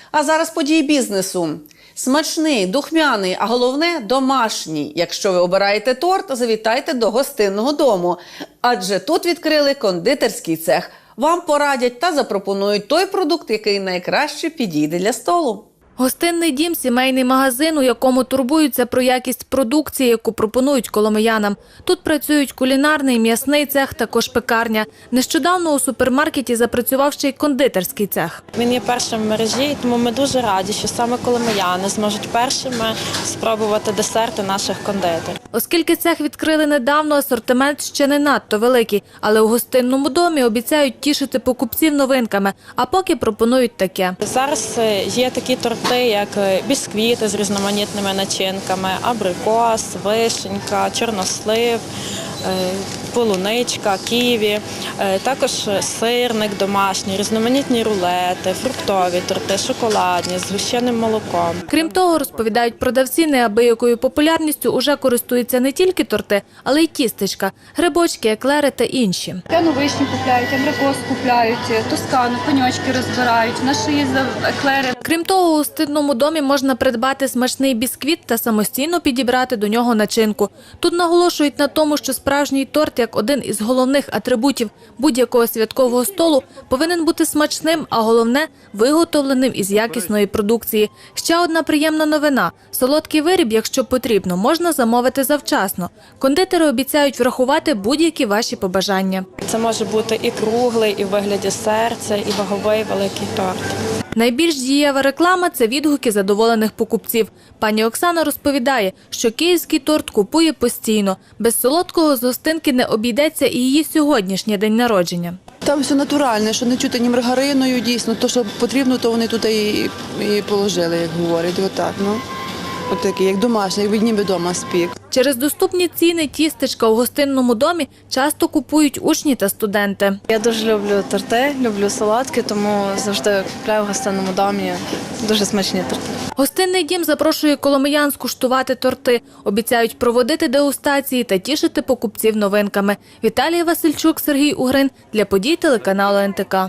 А зараз події бізнесу. Смачний, духмяний, а головне – домашній. Якщо ви обираєте торт, завітайте до гостинного дому. Адже тут відкрили кондитерський цех. Вам порадять та запропонують той продукт, який найкраще підійде для столу. Гостинний дім – сімейний магазин, у якому турбуються про якість продукції, яку пропонують коломиянам. Тут працюють кулінарний, м'ясний цех, також пекарня. Нещодавно у супермаркеті запрацював ще й кондитерський цех. Він є першим в мережі, тому ми дуже раді, що саме коломияни зможуть першими спробувати десерти наших кондитерів. Оскільки цех відкрили недавно, асортимент ще не надто великий, але у гостинному домі обіцяють тішити покупців новинками, а поки пропонують таке. Зараз є такі торти, як бісквіти з різноманітними начинками, абрикос, вишенька, чорнослив, полуничка, ківі, також сирник домашній, різноманітні рулети, фруктові торти, шоколадні, з згущеним молоком. Крім того, розповідають продавці, неабиякою популярністю уже користуються не тільки торти, але й тістечка, грибочки, еклери та інші. П'яну вишню купляють, абрикос купляють, тоскану, пеньочки розбирають, в нас ще є еклери. Крім того, у гостинному домі можна придбати смачний бісквіт та самостійно підібрати до нього начинку. Тут наголошують на тому, що справжній торт, як один із головних атрибутів будь-якого святкового столу, повинен бути смачним, а головне – виготовленим із якісної продукції. Ще одна приємна новина – солодкий виріб, якщо потрібно, можна замовити завчасно. Кондитери обіцяють врахувати будь-які ваші побажання. Це може бути і круглий, і в вигляді серця, і ваговий великий торт. Найбільш дієва реклама – це відгуки задоволених покупців. Пані Оксана розповідає, що київський торт купує постійно. Без солодкого з гостинки не обійдеться і її сьогоднішній день народження. Там все натуральне, що не чути ні маргариною, дійсно. То, що потрібно, то вони тут і положили, як говорять. Отак, ну. От такі, як домашні, як ніби вдома спік. Через доступні ціни тістечка у гостинному домі часто купують учні та студенти. Я дуже люблю торти, люблю солодкі, тому завжди купляю в гостинному домі дуже смачні торти. Гостинний дім запрошує коломиян скуштувати торти. Обіцяють проводити дегустації та тішити покупців новинками. Віталія Васильчук, Сергій Угрин. Для подій телеканалу НТК.